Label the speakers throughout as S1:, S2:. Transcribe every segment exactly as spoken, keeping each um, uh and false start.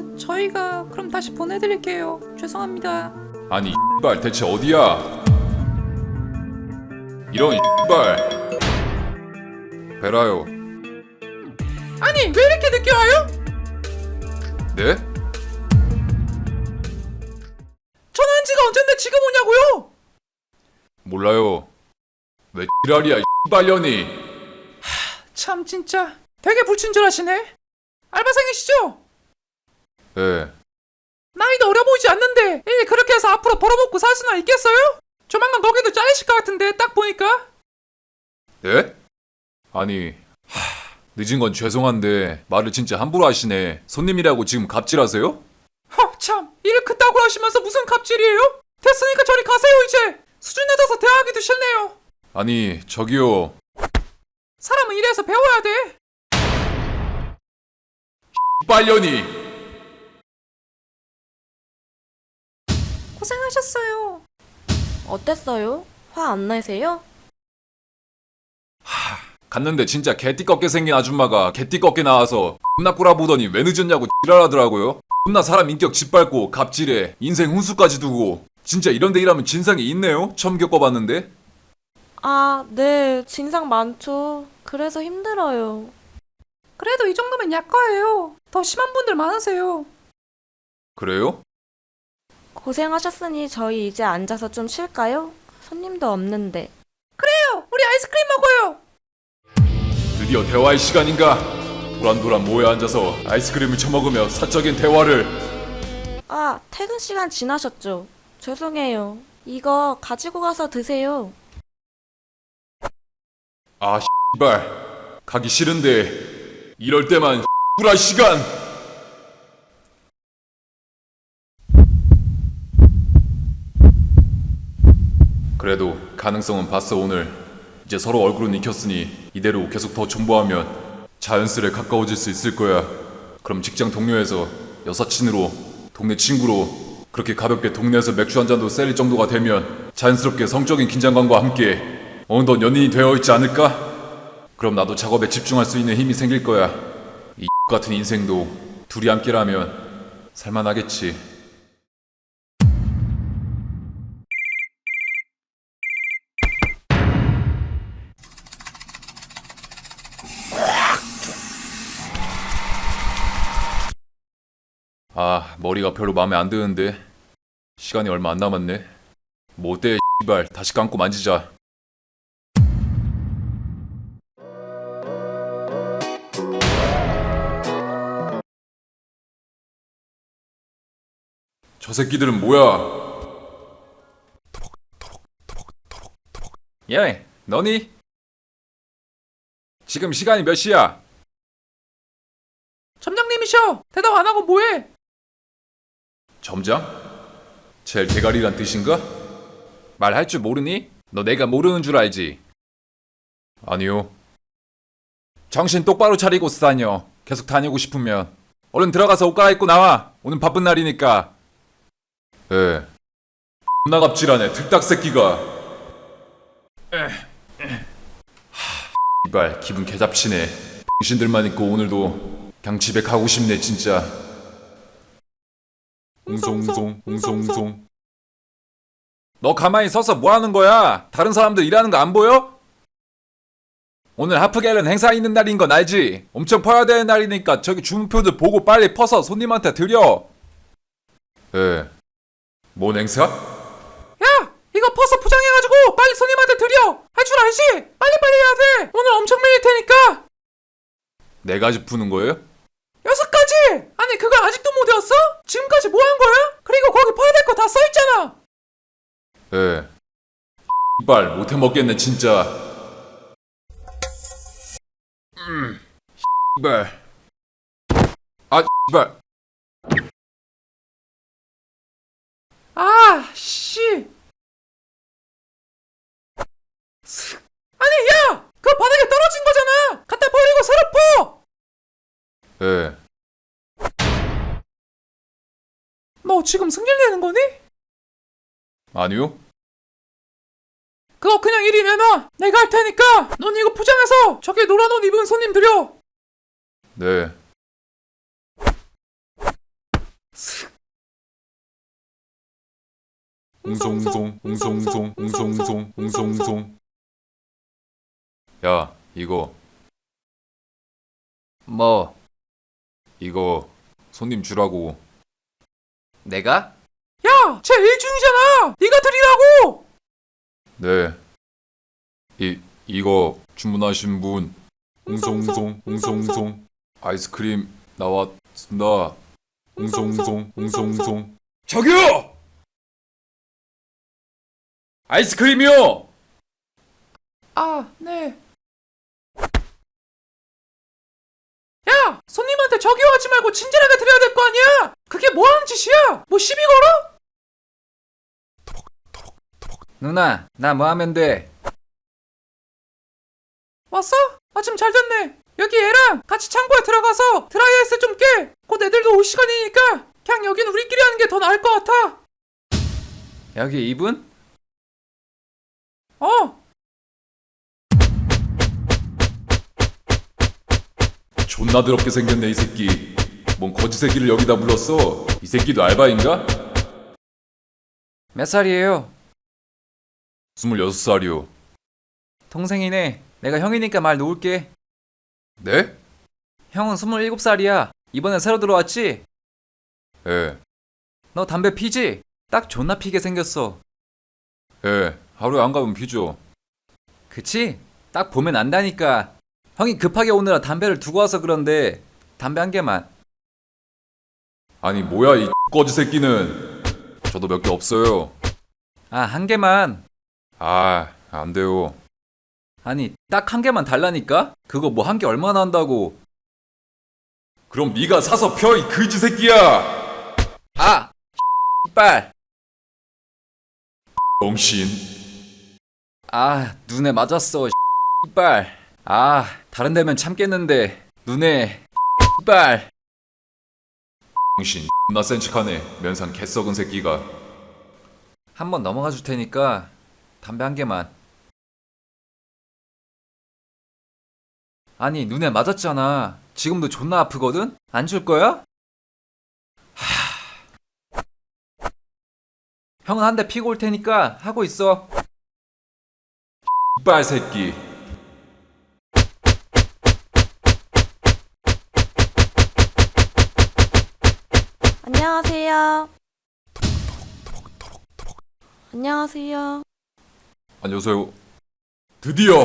S1: 아, 저희가 그럼 다시 보내드릴게요. 죄송합니다.
S2: 아니 X발 대체 어디야? 이런 X발. 베라요.
S1: 아니, 왜 이렇게 늦게 와요?
S2: 네?
S1: 전화한 지가 언젠데 지금 오냐고요?
S2: 몰라요. 왜 X랄이야 X발년이.
S1: 참 진짜 되게 불친절하시네. 알바생이시죠?
S2: 예.
S1: 나이도 어려 보이지 않는데 일 그렇게 해서 앞으로 벌어먹고 살 수나 있겠어요? 조만간 거기도 잘리실 것 같은데 딱 보니까.
S2: 네? 아니 하... 늦은 건 죄송한데 말을 진짜 함부로 하시네. 손님이라고 지금 갑질하세요?
S1: 허, 참 일을 그따구로 하시면서 무슨 갑질이에요? 됐으니까 저리 가세요 이제. 수준 낮아서 대화하기도 싫네요.
S2: 아니 저기요.
S1: 사람은 일해서 배워야 돼.
S2: X발년이.
S1: 고생하셨어요.
S3: 어땠어요? 화 안 내세요?
S2: 갔는데 진짜 개띠껍게 생긴 아줌마가 개띠껍게 나와서 존나 꼬라보더니 왜 늦었냐고 지랄하더라고요. 존나 사람 인격 짓밟고 갑질해 인생 훈수까지 두고. 진짜 이런 데 일하면 진상이 있네요. 처음 겪어봤는데.
S3: 아, 네. 진상 많죠. 그래서 힘들어요.
S1: 그래도 이 정도면 약과예요. 더 심한 분들 많으세요.
S2: 그래요?
S3: 고생하셨으니 저희 이제 앉아서 좀 쉴까요? 손님도 없는데.
S1: 그래요. 우리 아이스크림 먹어요.
S2: 드디어 대화의 시간인가? 도란도란 모여 앉아서 아이스크림을 처먹으며 사적인 대화를.
S3: 아, 퇴근 시간 지나셨죠? 죄송해요. 이거 가지고 가서 드세요.
S2: 아 X발 가기 싫은데 이럴 때만 X발 시간. 그래도 가능성은 봤어. 오늘 이제 서로 얼굴은 익혔으니 이대로 계속 더 존버하면 자연스레 가까워질 수 있을 거야. 그럼 직장 동료에서 여사친으로, 동네 친구로, 그렇게 가볍게 동네에서 맥주 한 잔도 셀릴 정도가 되면 자연스럽게 성적인 긴장감과 함께 어느덧 연인이 되어 있지 않을까? 그럼 나도 작업에 집중할 수 있는 힘이 생길 거야. 이 같은 인생도 둘이 함께라면 살만하겠지. 아, 머리가 별로 마음에 안 드는데 시간이 얼마 안 남았네. 뭐 어때 X발 다시 감고 만지자. 저 새끼들은 뭐야? 예, 너니? 지금 시간이 몇 시야?
S1: 점장님이셔. 대답 안 하고 뭐해?
S2: 점장? 제일 대가리란 뜻인가? 말할 줄 모르니? 너 내가 모르는 줄 알지? 아니요. 정신 똑바로 차리고 다녀. 계속 다니고 싶으면 얼른 들어가서 옷 갈아입고 나와. 오늘 바쁜 날이니까. 에. 존나 갑질하네 틀딱 새끼가. 하, 이발 기분 개잡치네. 당신들만 있고 오늘도 그냥 집에 가고 싶네 진짜. 웅송웅송 웅송웅송. 너 가만히 서서 뭐 하는 거야? 다른 사람들 일하는 거 안 보여? 오늘 하프갤런 행사 있는 날인 건 알지? 엄청 퍼야 되는 날이니까 저기 주문표들 보고 빨리 퍼서 손님한테 드려. 예. 뭔 행사?
S1: 야! 이거 퍼서 포장해가지고 빨리 손님한테 드려! 할 줄 알지? 빨리빨리 해야 돼! 오늘 엄청 밀릴 테니까!
S2: 네 가지 푸는 거예요?
S1: 여섯 가지! 아니 그걸 아직도 못 외웠어? 지금까지 뭐 한 거야? 그리고 거기 퍼야 될 거 다 써있잖아!
S2: 예. 이발 못해 먹겠네 진짜. 음. 이발. 아 이발.
S1: 아, 씨! 슥. 아니 야! 그거 바닥에 떨어진 거잖아! 갖다 버리고 새로 퍼!
S2: 예.
S1: 너 지금 승질 내는 거니?
S2: 아니요.
S1: 그거 그냥 이리 내놔! 내가 할 테니까 넌 이거 포장해서 저기 노란 옷 입은 손님 드려!
S2: 네. 웅송웅송 웅송웅송 웅송웅송 웅송웅송. 야, 이거
S1: 뭐?
S2: 이거 손님 주라고.
S1: 내가? 야! 쟤 일중이잖아! 네가 드리라고!
S2: 네. 이 이거 주문하신 분 웅송웅송 웅송웅송 아이스크림 나왔습니다. 웅송웅송 웅송웅송.
S1: 저기요! 아이스크림이요! 아, 네. 야! 손님한테 저기요 하지 말고 친절하게 드려야 될 거 아니야! 그게 뭐 하는 짓이야? 뭐 시비 걸어? 누나, 나 뭐 하면 돼? 왔어? 마침 잘 됐네. 여기 애랑 같이 창고에 들어가서 드라이아이스 좀 깨. 곧 애들도 올 시간이니까 그냥 여긴 우리끼리 하는 게 더 나을 것 같아. 여기 이분? 어.
S2: 존나 더럽게 생겼네 이 새끼. 뭔 거지 새끼를 여기다 불렀어? 이 새끼도 알바인가?
S1: 몇 살이에요?
S2: 스물여섯 살이요.
S1: 동생이네. 내가 형이니까 말 놓을게.
S2: 네?
S1: 형은 스물일곱 살이야. 이번에 새로 들어왔지?
S2: 예.
S1: 너 담배 피지? 딱 존나 피게 생겼어.
S2: 예. 하루에 안 가면 피죠.
S1: 그치? 딱 보면 안다니까. 형이 급하게 오느라 담배를 두고 와서 그런데 담배 한 개만.
S2: 아니 뭐야 이 거지 새끼는. 저도 몇 개 없어요.
S1: 아, 한 개만.
S2: 아, 안 돼요.
S1: 아니, 딱 한 개만 달라니까? 그거 뭐 한 개 얼마나 한다고.
S2: 그럼 네가 사서 펴 이 그지 새끼야.
S1: 아! 빨!
S2: 병신.
S1: 아, 눈에 맞았어. 빨. 아, 다른 데면 참겠는데 눈에 빨.
S2: 병신. 나 센 척하네. 면상 개썩은 새끼가.
S1: 한 번 넘어가 줄 테니까 담배 한 개만. 아니, 눈에 맞았잖아. 지금도 존나 아프거든? 안 줄 거야? 하... 형은 한 대 피고 올 테니까 하고 있어.
S2: 이빨 새끼.
S3: 안녕하세요. 안녕하세요.
S2: 안녕하세요. 드디어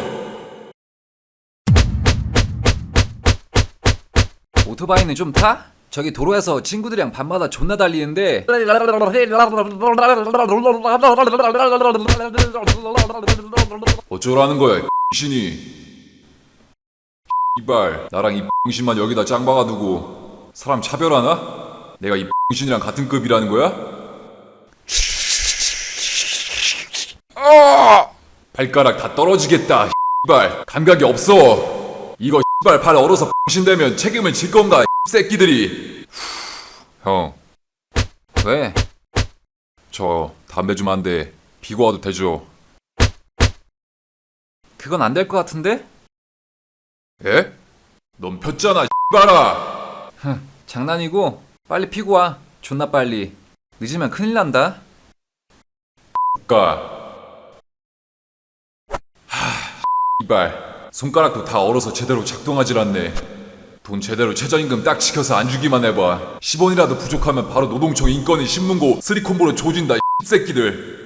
S1: 오토바이는 좀 타? 저기 도로에서 친구들이랑 밤마다 존나 달리는데
S2: 어쩌라는 거야 이 병신이. 이발 나랑 이 병신만 여기다 짱 박아두고 사람 차별하나? 내가 이 병신이랑 같은 급이라는 거야? 발가락 다 떨어지겠다. 이발 감각이 없어. 이거 이발 발 얼어서 병신되면 책임을 질 건가? 이 새끼들이. 형,
S1: 왜?
S2: 저 담배 좀 한 대 피고 와도 되죠?
S1: 그건 안 될 것 같은데?
S2: 예? 넌 폈잖아 이발아.
S1: 장난이고 빨리 피고 와. 존나 빨리. 늦으면 큰일 난다.
S2: 가. 하, 이발 손가락도 다 얼어서 제대로 작동하질 않네. 돈 제대로 최저임금 딱 지켜서 안 주기만 해봐. 십 원이라도 부족하면 바로 노동청 인건위 신문고 쓰리콤보로 조진다 이 새끼들.